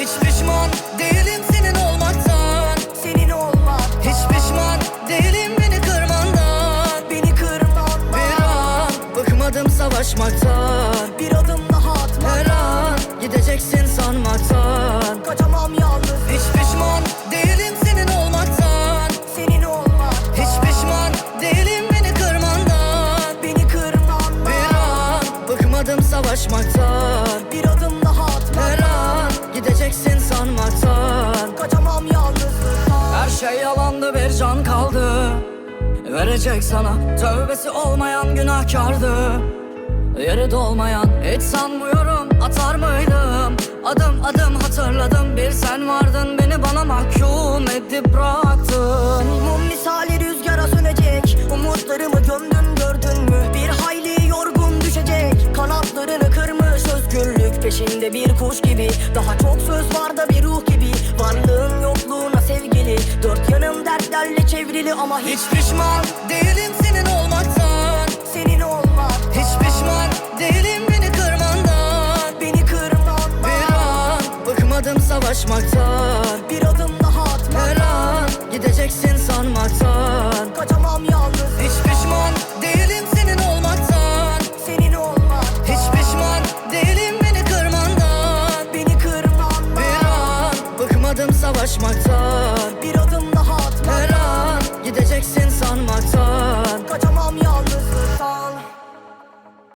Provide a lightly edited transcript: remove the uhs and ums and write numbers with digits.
Hiç pişman değilim senin olmaktan. Senin olmak. Hiç pişman değilim beni kırmandan. Beni kırman. Bir an bıkmadım savaşmaktan. Bir adım daha atmak. Her an gideceksin sanmaktan. Kaçamam yalnız. Hiç pişman değilim senin olmaktan. Senin olmak. Hiç pişman değilim beni kırmandan. Beni kırman. Bir an bıkmadım savaşmaktan. Bir adım daha atmak. Her an gideceksin sanmaktan. Kaçamam yalnızlıktan. Her şey yalandı, bir can kaldı verecek sana. Tövbesi olmayan günahkardı, yeri dolmayan. Hiç sanmıyorum atar mıydım. Adım adım hatırladım, bir sen vardın, beni bana mahkum edip bıraktın. Mum misali rüzgara sönecek. Umutlarımı gömdün, gördün mü? Bir hayli yorgun düşecek. Kanatlarını kırmış özgürlük peşinde bir kuş gibi. Daha çok söz var da bir ruh gibi. Varlığın yokluğuna sevgili. Dört yanım dertlerle çevrili ama hiç Hiç pişman değilim senin olmaktan. senin olmak. Hiç pişman değilim beni kırmandan. Beni kırman. Bir an bıkmadım savaşmaktan. Bir adım daha atmak. Her an gideceksin sanmaktan. Kaçamam yalnız. Hiç pişman değilim senin olmaktan. Senin olmak. Hiç pişman değilim beni kırmandan. Beni kırman. Bir an bıkmadım savaşmaktan.